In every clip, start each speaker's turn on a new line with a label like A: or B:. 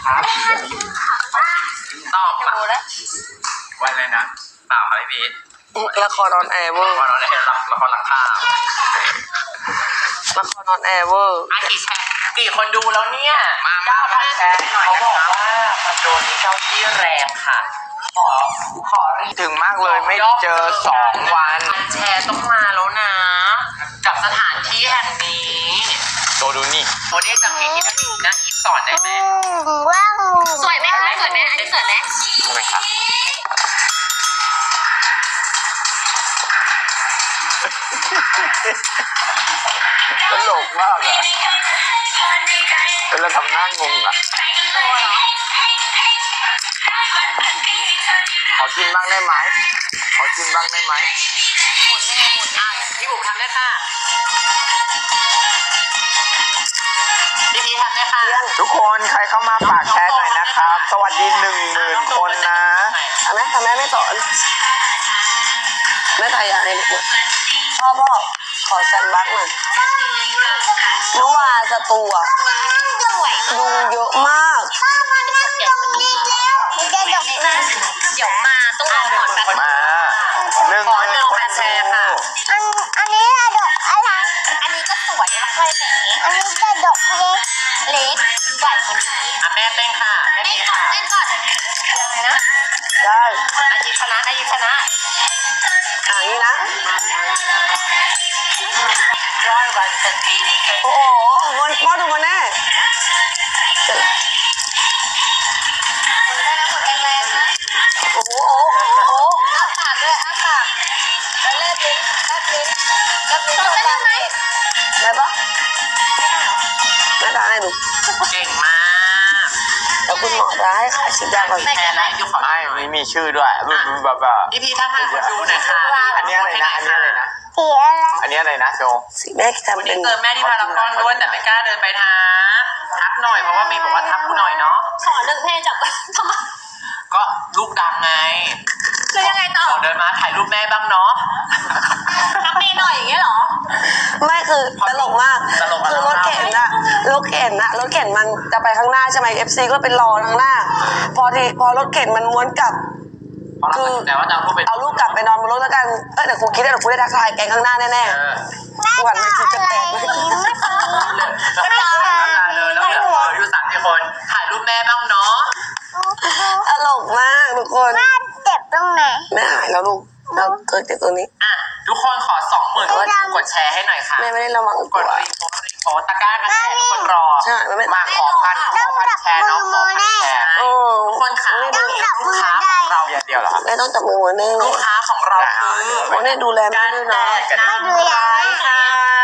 A: ตอบมาวันเลยนะตอบอะไรพี่
B: ละครออนแอร์เวอร์
A: ละครออนแอร์ละครหลังข่าว
B: ละครออนแอร์เวอร์
A: กี่คนดูแล้วเนี่ยมาแชร์หน่อยเขาบอกว่าคอนโดนี้เจ้าที่แรงค่ะขอ
C: ถึงมากเลยไม่เจอ2 วัน
A: แชร์ต้องมาแล้วนะกับสถานที่แห่งนี้
C: โดดูนี่
A: โมเดลจำเพลงที่นะอีฟสอนได้ไหม
D: ว้าว
E: สวยไหมคะสวยไหมอันนี้สวยไหม
C: ทำไมครับตลกมากอะเราทำหน้างงอะขอกินบ้างได้ไหมขอกินบ้างได้ไหม
A: พี่บุ๋มทำได้ค่ะพี่ทำได้ค่ะ
C: ทุกคนใครเข้ามาฝากแชร์หน่อยนะครับสวัสดี10,000 คนนะ
B: ทำไมไม่สอนไม่ถ่ายอะไรหมดพ่อขอแซนบัคหน่อยเมื่อวานสตูอะยุงเยอะมาก
E: เดี๋ยวมาต้องรอก่อนแป๊บ
C: มา
A: 1,000,000แชร์ค่ะ
D: อันนี้ดอกอะไร
E: อันนี้ก็สวยแล้วค่อยแหม
D: อันนี้จะดอกเล็ก
E: ใหญ่กว่านี้
A: แม่เต้นค่ะ
E: เต้นก่อนยังไงนะ
B: ได้
A: อายิชนะ
B: อย่างนี้นะโอ้โหพ่อดูมาแน่โอ้โห
E: อ้าปากด้วยอ้าปากแล้วเล็บลิ้นได้ไหม
B: ได้ปะไม่ได้ให้ดู
A: เก่งมาก
B: แล้วคุณหมอจะให้ขายชิ้นยาก่อน
A: แม่นะยุคของ
C: ไม่มีชื่อด้วยแบบ
A: พี่ถ้าท่านคนดูหน่อยค่ะ
C: อันนี้อะไรนะ
D: สีอะไร
C: อันนี้อะไรนะโจ
B: สีแม่ทำเป็น
A: เจอแม่ที่พารากอนด้วยแต่ไม่กล้าเดินไปทักหน่อยเพราะว่ามีบอกว่าทักกูหน่อยเนาะ
E: ขอ1 เพลงจับทำไม
A: ก็ลูกดังไง
E: คือยังไงต่อ
A: เดินมาถ่ายรูปแม่บ้างเนาะ
E: ทักแม่หน่อยอย่างเงี้ยหรอ
B: ไม่คือตลกมากคือรถเข็นมันจะไปข้างหน้าใช่ไหม FC ก็เป็นรอข้างหน้าพอรถเข็นมันม้วนกลับ
A: คือแต่ว่า
B: เอาลูกกลับไปนอนบนรถแล้วกันเดี๋ยวครูคิดได้ครูได้ทักทายแกงข้างหน้าแน่ๆหวานมันจะแตกไหม
A: เลยแล้วอยู่3 คนถ่ายรูปแม่บ้างเนาะ
B: ตลกมากทุกคน
D: แม่เจ็บตรงไหน
B: แม่หายแล้วลูกเราเกิดจากตรงนี้
A: ทุกคนขอ 20,000 กดแชร์ให้หน่อยค่ะ
B: แม่ไม่ได้ระวัง
A: กดรีโพสตะกร้ากันแชร์ทุกคนรอ
B: ใช่ไม่
A: มาขอพันแชร์เนาะขอพันแชร์ทุกคนค่ะลูกค้าของเรา
C: เดียวเหรอ
B: ไม่ต้องจับมือแน่
A: ลูกค้าของเราคือ
B: โอ้เนี่ยดูแลแม่ด้วยนะ
A: ไม่ดูแลค่ะ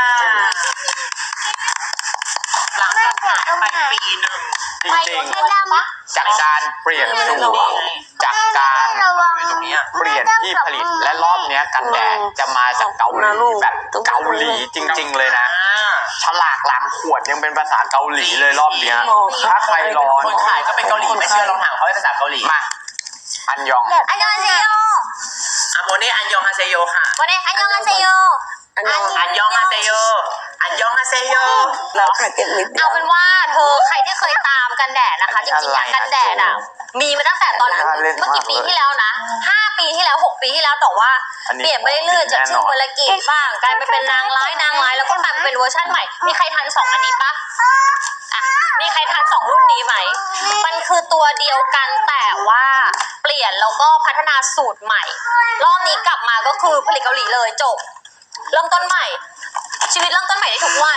A: หลังจากหายไปปีหนึ่ง
C: จริงๆจากการเปลี่ยนสูตรจากการเปลี่ยนที่ผลิตและรอบนี้กันแดดจะมาจากเกาหลีแบบเกาหลีจริงๆเลยนะฉลากหลังขวดยังเป็นภาษาเกาหลีเลยรอบนี้ถ้าใครร้อน
A: คนขายก็เป็นเกาหลีไม่เชื่อลองถามเขาเป็นภาษาเกาหลี
C: มาอันยอง
E: ฮาเซโย
A: โมเน่อันยองฮาเซโยค่ะ
E: โมเน่อันยองฮาเซโย
A: อันยองฮาเซโยอันยองฮาเซโย
B: เราขายเก็บนิด
E: เอาเป็นว่าเธอใครที่เคยตามกันแดดนะคะจริงๆกันแดดมีมาตั้งแต่ตอนเมื่อกี่ปีที่แล้วนะ5 ปีที่แล้ว6 ปีที่แล้วแต่ว่าเปลี่ยนไปเรื่อยๆจากชื่อวรกิจบ้างกลายไปเป็นนางร้ายแล้วก็กลายเป็นเวอร์ชั่นใหม่มีใครทัน2 อันนี้ปะมีใครทัน2 รุ่นนี้ไหมมันคือตัวเดียวกันแต่ว่าเปลี่ยนแล้วก็พัฒนาสูตรใหม่รอบนี้กลับมาก็คือผลิตเกาหลีเลยจบเริ่มต้นใหม่ชีวิตเริ่มต้นใหม่ได้ทุกวัน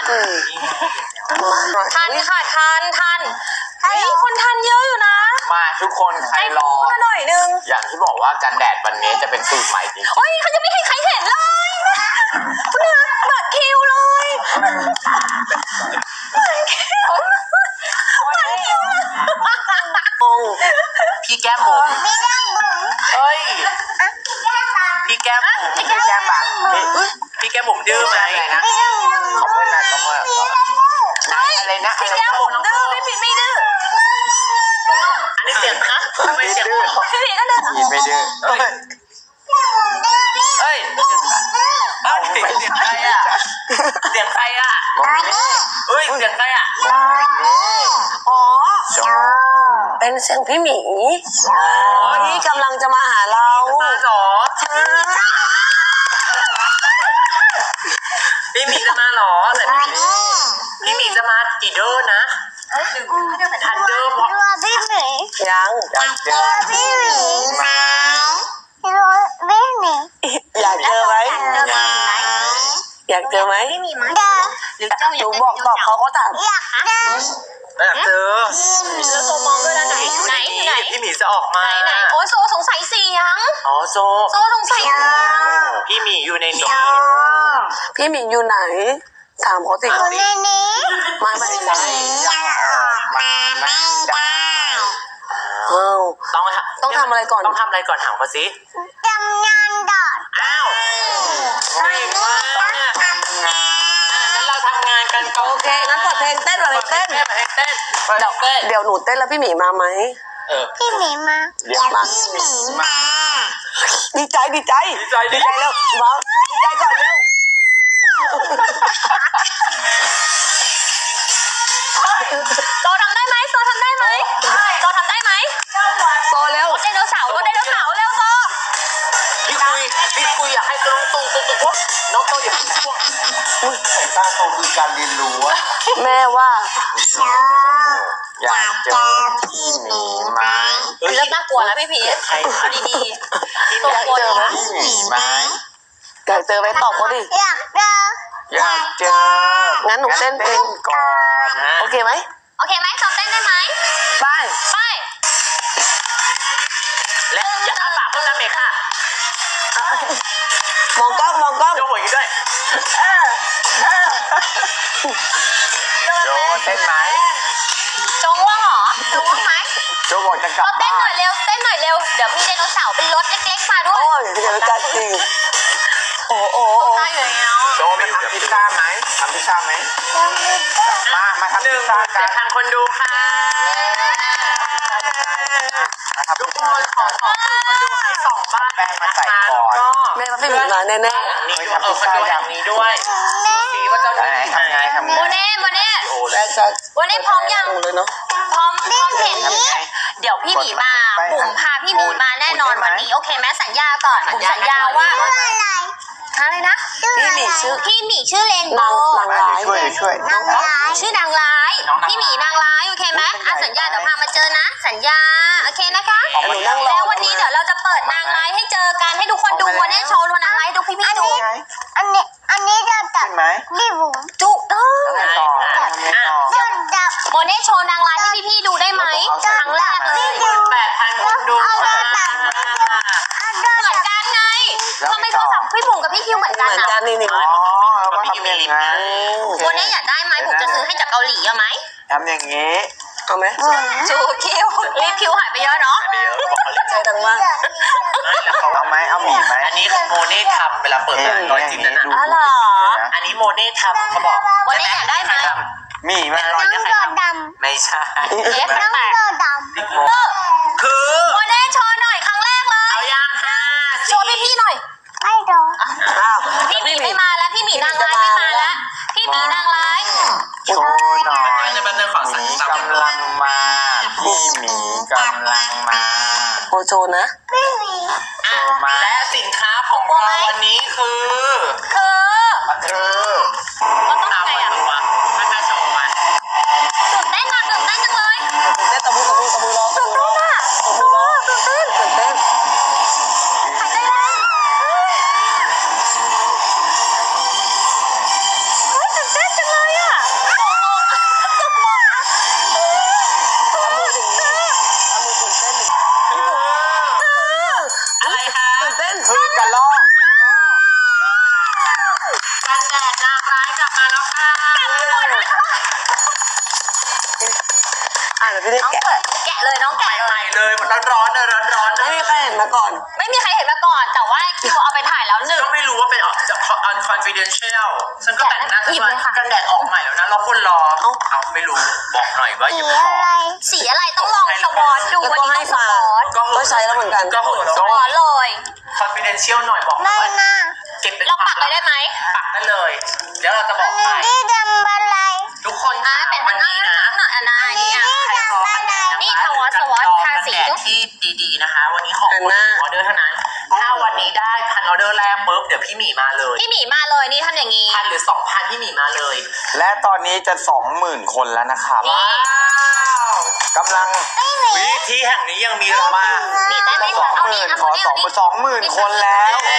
E: ทันค่ะทันคนทันเยอะอยู่นะ
C: มาทุกคนใครรอ
E: หน่อยนึง
C: อย่างที่บอกว่ากันแดดวันนี้จะเป็นสูตรใหม่จริงๆ
E: โอ้ยเขาจะไม่ให้ใครเห็นเลยคุณนะบัตรคิวเลย
A: พี่แก้มบุ๋มเฮ้ยพี่แก้มบุ๋มพี่แก้มบุ๋มดื้อไหม
C: ขอบคุณนะขอบคุณ
A: อะไรนะ
E: พี่แก้มบุ๋มดื้อพี่ผิดไม่ดื้อ
A: อันนี้เสียงคะทำไมเสียง
E: พี่ผิดก็ดื้อ
C: ไม่ดื้อ
A: เฮ้ยเสียงใครอ่ะเสียงใครอ่ะเฮ้ยเสียงใครอ่ะ
B: อ๋อเป็นเสียงพี่หมีที่กำลังจะมาหาเรา
A: มาเหรอพี่หมีจะมาเหรอแต่พี่หมีจะมากี่เดอร์นะทันเดอร์เพราะ
D: ตัวพี่หมี
B: ยัง
D: ตัวพี่หมีมาตัวพี่หมี
B: อยากเจอไหมอยากเจอไหม
D: เจอ
E: หรือเจ้าอ
B: ห
E: ยา
B: นู
E: ก
B: บอกตอบเขาก็ถาม
D: อยากเจอ
A: อยากเจอ
E: แล้วโซมองด้วยนะไหนไหน
A: พี่หมีจะออกมา
E: ไหนโอ้ยโซสงสัยเสียง
A: อ๋อโซ
E: โซสงสัย
A: พี่หมีอยู่ในนี้
B: พี่หมีอยู่ไหนถามเขาสิ
D: อยู่ในนี้
B: ไม่ใช่
D: ยังออกมาไม่ได้
B: อ้าว ต้องทำอะไรก่อน
A: ต้องทำอะไรก่อนถามเขาสิ
D: ทำงานดอด
A: อ้าวเก่งมากเนี่ยงั้นเราทำงานกันก่อน
B: โอเคงั้นเปิดเพลงเต้นก่อนเลยเต้น
A: เต้น
B: เดี๋ยวหนูเต้นแล้วพี่หมีมาไหม
D: พี่หมีมา
B: เดี๋ยวมา
D: พี่หมีมา
B: ดีใจดีใจแล้วมาดีใจก่อนเร็ว
E: โซทำได้ไหมโซทำได้ไหมโซทำได้ไหม
B: โซเร็ว
E: รถไดโนเสาร์เร็วโซ
A: พี่คุยอยากให้น้องตูน้องโตอย่าให้พวกสายตาโตคือการเรียนรู้อะ
B: แม่ว่า
C: อยากเจอพี่หมีไหม
E: เริ่มน่ากลัวแล้วพี่พีชเอาดีๆตัวกลัว
B: อยากเจอไหม
C: พี่หมีไหม
B: อยากเจอไหมตอบเขาดิ
D: อยากเจอ
C: อยากเจอ
B: งั้นหนูเต้นเพลง
C: ก่อนนะ
B: โอเคไหม
E: โอเคไหมโซเต้นได้ไหม
B: ไป
E: ไป
A: และอย่าอ้าปากเพิ่มนะเมค่ะ
B: มองกล้องมองกล้อง
A: โจ้หัวอยู่ด้วย
C: โจเต้นไหม
E: โจง่วงเหรอโจง่วงไหม
C: โจบอกจะก
E: โซ
C: ลับ
E: เต้น
C: บ้า
E: หน่อน ยเร็วเต้นหน่อยเร็วเดี๋ยวมีไดโนเสาร์เป็นรถเล็กๆมาด้วย
B: โอ้ยเดี๋ยวจัดจริงโอ้โอ้
E: ตาอยู่แล้ว
C: โจมาทำพิซซ่าไหมทำพิซซ่าไหมมาทำ
A: หนึ่
C: พิ
A: ง
C: ซซ่ากัน
A: 7,000 คนดูค่ะ
C: มาทำ
A: ทุ
C: พิ
A: ก
C: ซ
A: ค
C: ซ่าน
A: ขอคนดูให้2 บ้านนะคะแล้วก็
B: แม่ว่าพี่หมีมาแน่
A: นี่คนดูอย่างนี้ด้วยสีว่าเจ้าหน้าที่
C: ทำไง
E: โมเน่
B: ๆแม่จะ
E: วันนี้พร้อมยัง
B: เลยเนาะ
E: พร้อมเห็นนี้เดี๋ยวพี่หมีมาบุ๋มพาพี่หมีมาแน่นอนวันนี้โอเคไหมสัญญาก่อนบุ๋มสัญญาว่า
D: ชื่ออะไร
E: อะไรนะ
B: พี่หมีชื่อ
E: พี่หมีชื่อเลนโบ
B: นางร้าย
C: ช่วย
D: น้องร้าย
E: ชื่อนางร้ายพี่หมีนางร้ายโอเคไหมสัญญาเดี๋ยวพามาเจอนะ สัญญาโอเคนะคะ
B: หนูนั่งรอ
E: แล้ววันนี้เดี๋ยวเราจะเปิดนางร้ายให้เจอกันให้ทุกคนดูวันนี้โชว์นางร้ายดูพี่ๆดู
D: อันนี้จะจับ
C: ขึ้นไหม
D: พี่บุ๋ม
E: จุกต้อง
C: ทำไงต่อทำไงต่อ
D: จะจับ
E: โมเน่โชว์นางร้ายให้พี่ๆดูได้ไหมครั้งแรกเลย
A: 8,000 คนดูค่ะ
E: เหมือนกันไงทำไมโทรศัพท์พี่บุ๋มกับพี่คิวเหมือน
B: เห
E: กัน
B: มือนกั
E: อ่ะ
B: นนี่
C: อ๋อว่าทำอย่างนั้น
E: โมเน่อยากได้ไหมบุ๋มจะซื้อให้จากเกาหลีเอาไหม
C: ทำอย่างนี้
B: เอาไหม
E: จูคิวรีบคิวหายไปเยอะเนาะ
A: ไปเยอะบอกเขาเลย
B: ใจดังมาก
C: เอาไหมเอาหมีไหม
A: อันนี้โมเน่ทำเวลาเปิดรอยจิ้มนั้น
E: อ๋อเหรอ
A: อันนี้โมเน่ทำเขาบอก
E: โมเน่อยากได้ไหม
C: หมีไหม
D: น้องโดดด
A: ไม่ใช่
E: เอฟ
D: ำน้อง
E: แปด
D: โดดด
A: คือ
E: โมเน่โชว์หน่อยครั้งแรกเลย
A: เอายังห้า
E: โชว์พี่ๆหน่อย
D: ำไม่โดด
B: อ้าว
E: พี่หมีไม่มาแล้วพี่หมีนางร้ายไม่มาแล้วพี่หมีนางร้าย
C: โชว์หน่อย
A: จะเป็นเรื่องของสัญญาก
C: ำลังมาพี่หมีกำลังมา
B: โอโชนะ
D: พี่หมี
A: และสินค้าของเราวันนี้คือ
E: คือ
C: คือ
E: ก็ต้อง
A: ตาม
E: ไง
A: มา
E: อ่ะ
A: ดูมาถ้าโชว์มา
E: ตื่นเต้นอ่ะตื่นเต้นจังเลย
B: เต้นตะมือร้องตะมือร้องตะมือร้องตื่นเต้น
E: หายใจแรงตื่นเต้นจังเลยอ่ะ
A: อะไรคะ
B: ตื่นเต้น
C: คือกระลอก
A: กันแดดนางร้ายกลับมาแล้วค่ะ
B: อ่ะเดี๋ยวพี่ได้
E: น้อง
B: แกะ
E: เปิดแกะเลยน้องแกะเล
A: ใหม่
E: ย
A: เลยมันร้อนๆเลยร้อนๆ
B: ไม่มีใครเห็นมาก่อน
E: ไม่มีใครเห็นมาก่อน แต่ว่าคิวเอาไปถ่ายแล้วหนึ่ง
A: ก็ไม่รู้ว่าเป็นจะconfidential ฉันก็แต่งหน้า
E: หยิบเลยค่ะ
A: กันแดดออกใหม่แล้วนะเราคนรอเอาไม่รู้บอกหน่อยว่าอย่า
D: สี
A: ไปบ
D: อะไร
E: สีอะไรต้องลองสวอตดู
B: แล้ว
E: วัน
B: ก็
E: นี้
B: ให้
E: ต้องส
B: มาว
E: อต
B: ก็ใช้แล้วเหมือนกัน
A: ก็โหด
E: สวอตเลย
A: confidential หน่อยบอก
D: ไม่
A: ว่า
D: น่า
A: เก็บเป็น
E: เราปักเลยได้ไหม
A: ปักได้เลย เดี๋ยวเราจะบ
D: อั
A: อน ก
D: นี้
A: ไป
D: ที่ดำอะไร
A: ทุกคน
E: อ่ะเป็น
A: วั
E: วัน น
A: นี้
E: นี้
A: นะ
E: นะอันนี้อ่ะ
D: ที่ดำอะไร
E: นี่ทวอสวอต
A: ดี๋ยวพี่หมีมาเลย
E: พี่หมีมาเลยนี่ทำอย่างนี้
A: 1,000 หรือ 2,000 พี่หมีมาเลย
C: และตอนนี้จะ 20,000 คนแล้วนะครับ
E: นี่
C: กำลัง
A: วิที่แห่งนี้ยังมีเรามา
E: นี่ได้ไหม
C: จะ
E: คะเอานี่
C: 20,000
E: เอา
C: ขอ
E: นี่เอานี่
C: 20,000 คนแล้ว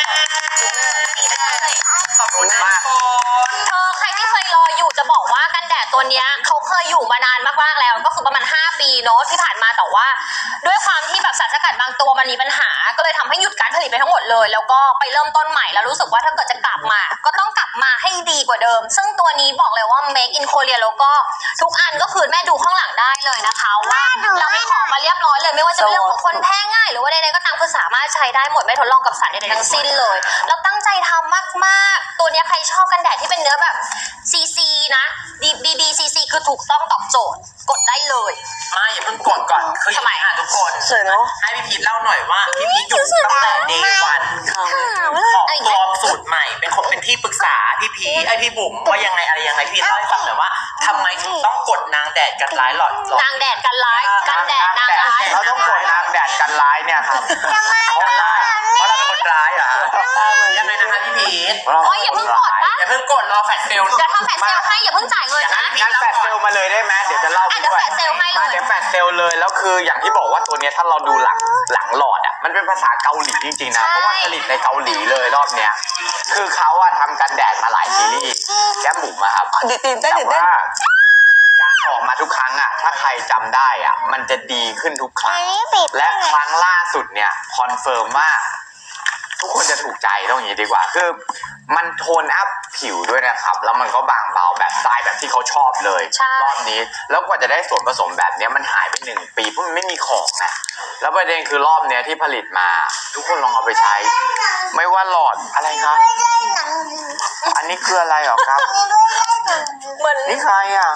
A: ขอบคุณมาก
E: ใครที่เคยรออยู่จะบอกว่ากันแดดตัวเนี้ยเขาเคยอยู่มานานมากๆแล้วก็คือประมาณ5 ปีเนาะที่ผ่านมาแต่ว่าด้วยความที่แบบสารสกัดบางตัวมันมีปัญหาก็เลยทำให้หยุดการผลิตไปทั้งหมดเลยแล้วก็ไปเริ่มต้นใหม่แล้วรู้สึกว่าถ้าเกิดจะกลับมาก็ต้องกลับมาให้ดีกว่าเดิม ซึ่งตัวนี้บอกเลยว่า make in Korea แล้วก็ทุกอันก็คือแม่ดูข้างหลังได้เลยนะคะว่าเราให้ของมาเรียบร้อยเลยไม่ว่าจะเป็นเรื่องของคนแพ้ง่ายหรือว่าใดๆก็ตามคือสามารถใช้ได้หมดไม่ทดลองกับสารใดๆทั้งสิ้นเลยแล้วตั้งใจทำมากๆตัวเนี้ยใครชอบกันแดดที่เป็นเนื้อแบบ CC นะ BBCC คือถูกต้องตอบโจทย์กดได้เลย
A: มาอย่าเพิ่งกดก่อนคืออย่างนี้ค่ะทุกคน
B: สวยเนาะ
A: ให้พี่พีทเล่าหน่อยว่าพี่พีทอยู่ตั้งแต่ day 1ของตัวสูตรใหม่เป็นคนเป็นที่ปรึกษาพี่พีทพี่บุ๋มว่ายังไงอะไรยังไงพี่เล่าให้ฟังหน่อยว่าทำไมถึงต้องกดนางแดดกันร้ายหลอด
E: นางแดดกันร้ายกันแดดนางร้าย
C: เราต้องกดนางแดดกันร้ายเนี่ยครับ
A: เพราะเราเป็นคนร้ายเหรอยังไงนะคะพี่พีท
E: โอ้ยอย่าเพิ่งกดปะ
A: อย่าเพิ่งกดรอแฟลชเซลล์
E: เดี๋ยวทำแฟลชเซลล์ให้อย่าเพิ่งจ่ายเงินนะ
C: งั้นแฟลชเซลลมาเลยได้ไหมเดี๋ยวจะเล่าไป
E: เดี๋ยว
C: ด้วย
E: แฟลชเซลล์ให้เลย
C: มาเดี๋ยวแฟลชเซลลเลยแล้วคืออย่างที่บอกว่าตัวเนี้ยถ้าเราดูหลังหลอดอ่ะมันเป็นภาษาเกาหลีจริงๆนะเพราะว่าผลิตในเกาหลีเลยรอบเนี้ยคือเขาอะทำกันแดดมาหลายซีรีส์แก้มบุ๋มอะครับ
B: ดิตื่นเต้น
C: แต่
B: ตื่นเต้น
C: ว่าการออกมาทุกครั้งอะถ้าใครจำได้อะมันจะดีขึ้นทุกครั้งและครั้งล่าสุดเนี่ยคอนเฟิร์มว่าทุกคนจะถูกใจต้องอย่างนี้ดีกว่าคือมันโทนอัพผิวด้วยนะครับแล้วมันก็บางเบาแบบสไตล์แบบที่เขาชอบเลย
E: ใช่
C: รอบนี้แล้วกว่าจะได้ส่วนผสมแบบเนี้ยมันหายไป1 ปีเพราะมันไม่มีของนะแล้วประเด็นคือรอบเนี้ยที่ผลิตมา ทุกคนลองเอาไปใช้ ไม่ว่าหลอดอะไรครับอันนี้คืออะไรหรอครับ
E: เหมือน
C: นี่ใครอ่ะ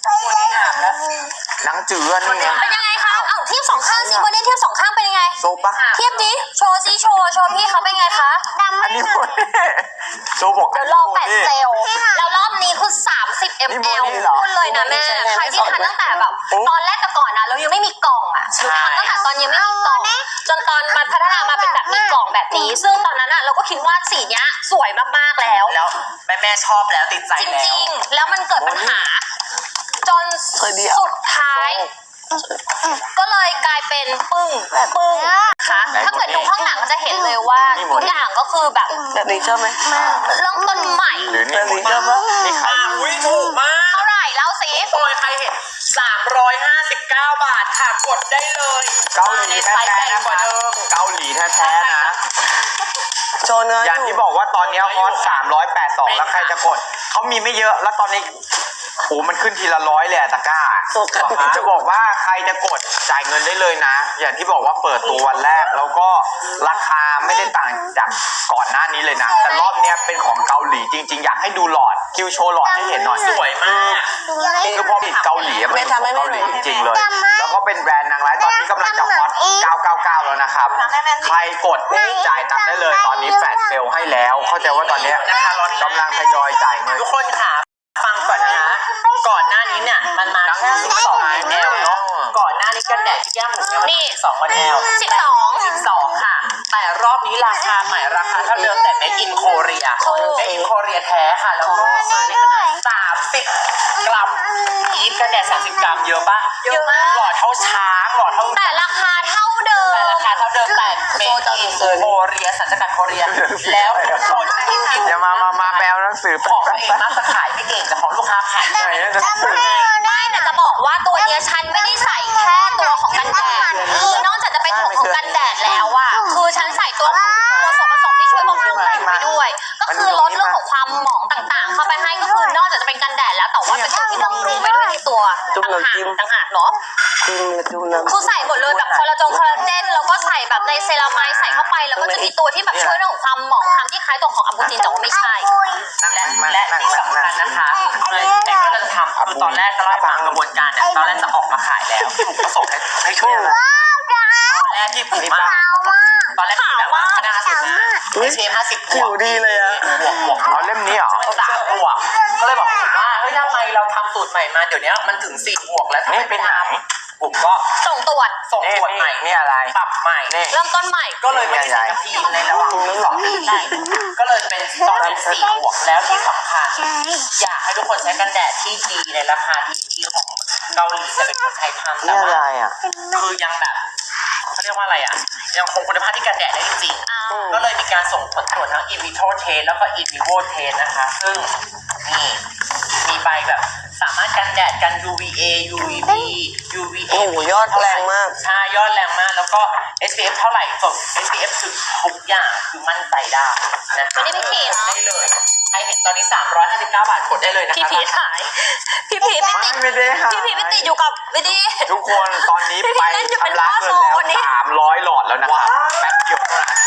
C: หนังจืดนี่ไง
E: เป็นยังไงคะเอ้าเทียบสองข้างสิวันนี้เทียบสองข้างเป็นยังไง
C: โซปะ
E: เทียบดิโชว์ซิโชว์พี่เขาเป็นไงคะ
C: อันนี้โมเน่โซบอก
E: เดี๋ยวลองแปดเซลล์แล้วรอบนี้คือ30
C: นี่
E: ml
C: โมนี่เหรอ
E: พูดเลยนะแม่ใครที่ทานตั้งแต่แบบตอนแรกแต่ก่อนนะเรายังไม่มีกล่องอ่ะหนูทำตั้งแต่ตอนยังไม่มีกล่องจนตอนมาพัฒนามาเป็นแบบมีกล่องแบบนี้ ซึ่งตอนนั้นอ่ะเราก็คิดว่าสีเนี้ยสวยมากๆแล้ว
A: แล้วแม่ชอบแล้วติดใจ
E: จ
A: แล้ว
E: ริงๆ แล้วมันเกิดปัญหา จนสุดท้าย ก็เลยกลายเป็นปึ้งค่ะถ้าเกิดดูข้างหลังจะเห็นเลยว่าทุกอย่างก็คือแบบ
B: แบบนี้ชอบไหม
E: เริ่มต้นใหม่
C: หรือนี่
B: แบบนี้ชอบปะ
C: นี่ใคร
A: อุ้ยถูกมาก
E: เท่าไหร่แล้วสิ
A: โอยใครเห็น359 บาทค่ะกดได้เลย
C: เกาหลี
A: ใน
C: แท้
A: ไซส์ใหญ่
C: ๆนะ
A: กว่าเดิม
C: เกาหลีแท้ๆนะ
B: โชว์เนื้อ
C: อย่างที่บอกว่าตอนนี้ฮอต382แล้วใครจะกดเขามีไม่เยอะแล้วตอนนี้โอ้มันขึ้นทีละ100เลยอะตะกร้า
B: โฟกัส
C: จะบอกว่าใครจะกดจ่ายเงินได้เลยนะ อย่างที่บอกว่าเปิดตัววันแรกแล้วก็ราคาไม่ได้ต่างจากก่อนหน้านี้เลยนะแต่รอบเนี้ยเป็นของเกาหลีจริงๆอยากให้ดูหลอดคิวโชว์หลอดให้เห็นหน่อย
A: สวยมาก
C: คือพอผิดเกาหลีอะมันเป็นของเกาหลีจริงๆเลย แล้วก็เป็นแบรนด์นางร้ายตอนนี้กำลังจะฮอต999แล้วนะครับใครกดจ่ายตังค์ได้เลยตอนนี้แฟลชเซลให้แล้วเข้าใจว่าตอนเนี้ยกำลังทยอยจ่ายเงิน
A: ทุกคนค่ะฟังก่อนนะคะก่อนหน้านี้เนี่ยมันมาแค่12 ml เนาะก่อนหน้านี้กันแดดที่แก้มหมูเนี่ยมัน12 ml 12 ค่ะ แต่รอบนี้ราคาใหม่ราคาเท่าเดิมแต่ Made in Korea Made in Korea แท้ค่ะแล้วก็ซื้อในขนาด30 กรัมอีฟกันแดด30 กรัมเยอะปะ
E: เยอะมาก
A: หลอดเท่าช้างหลอดเท่า
E: แต่ราคาเท่าเดิม
A: แต่ราคาเท่าเดิมแต่ Made in Korea สัญชาติโคเรียแล้วทุกคนที่พิมพ์
C: อย่ามาแปลหนังสือ
A: ของตัวเองมักจะขายไม่เก่งแต่ของลูกค้าขายได้
E: ไม่แต่จะบอกว่าตัวเนี้ยฉันไม่ได้ใส่แค่ตัวของกันแดดคือนอกจากจะเป็นของกันแดดแล้วอะคือฉันใส่ตัวส่วนผสมที่ช่วยบำรุงผิวไปด้วย ก็คือลดเรื่องของความหมองต่างๆ เข้าไปให้ก็คือนอกจากจะเป็นกันแดดแล้วแต่ว่าเป็นตัวที่บำรุงไปด้วยในตัวต่างหากเนาะ
B: ดูน้ำ
E: คือใส่หมดเลยแบบคอลลาเจนแล้วก็ใส่แบบในเซรามายใส่เข้าไปแล้วก็จะมีตัวที่แบบช่วยเรื่องของความหมองคล้ำที่คล้ายตัวของอัมบูจินแต่ว่าไม่ใช่
A: และที่สำคัญนะคะในที่เราจะทำคือตอนแรกก็เล่าให้ฟังกระบวนการเนี่ยตอนแรกจะออกมาขายแล้วถูกประสงค์ให้ช่วยอะไรตอนแรกที่ผมมาตอนแรกที่แบบว่าคณะสุดนะไม่ใช่50 บ
B: ผิ
A: ว
B: ว
A: ก
B: ดีเลยอะ
A: บวก
C: เอาเล่มนี้เหรอ
A: 3 บวกก็เลยบอกผมว่าเฮ้ยทำไมเราทำสูตรใหม่มาเดี๋ยวนี้มันถึง4 บวกแล้วทำไมไปทำผมก็
E: ส่งตรวจ
A: ส่งตรวจใหม่
C: นี่อะไร
A: ปรับใหม่
C: นี่
E: เริ่มต้นใหม่
A: ก็เลยไม่ได้10 นาทีในระหว่างที่2 ปีได้ก็เลยเป็นตอนนี้4 บวกแล้วที่สำคัญอยากให้ทุกคนใช้กันแดดที่ดีในราคาที่ดีของเกาหลีแต่เป็นคนไทยทำแต่
C: นี่อะไร
A: ว่า
C: อ่ะ
A: คือยังแบบเขาเรียกว่าอะไรอ่ะยังคงคุณภาพที่กันแดดได้จริงๆก็เลยมีการส่งผลตรวจทั้ง in vitro test แล้วก็ in vivo test นะคะ ซึ่งนี่มีใบแบบสามารถกันแดดกัน UVA UVB UVA
B: โอ้โหยอดแรงมาก
A: ใช่ยอดแรงมากแล้วก็ SPF เท่าไหร่ส่ง SPF คือทุกอย่างคือมั่นใจได้นะคะ
E: ไม่ได้ไปฉีดเหรอ
A: ได้เลยใครเห็นตอนนี้359 บาทกดได้เลยนะคะ
E: พี่พีทหายพี่พีทไม่ติด
C: ไม่ได้หาย
E: พี่พีทไม่ติดอยู่กับวิดี
C: ทุกคนตอนนี้
E: พี่
C: ไป
E: เล่นอยู่เป็น
C: ชำระ
E: พ่อ
C: เงิ
E: โซ
C: นแล้ว
E: วันนี้
C: 300 หลอดแล้วนะครับแป๊บเดียวเท่านั้น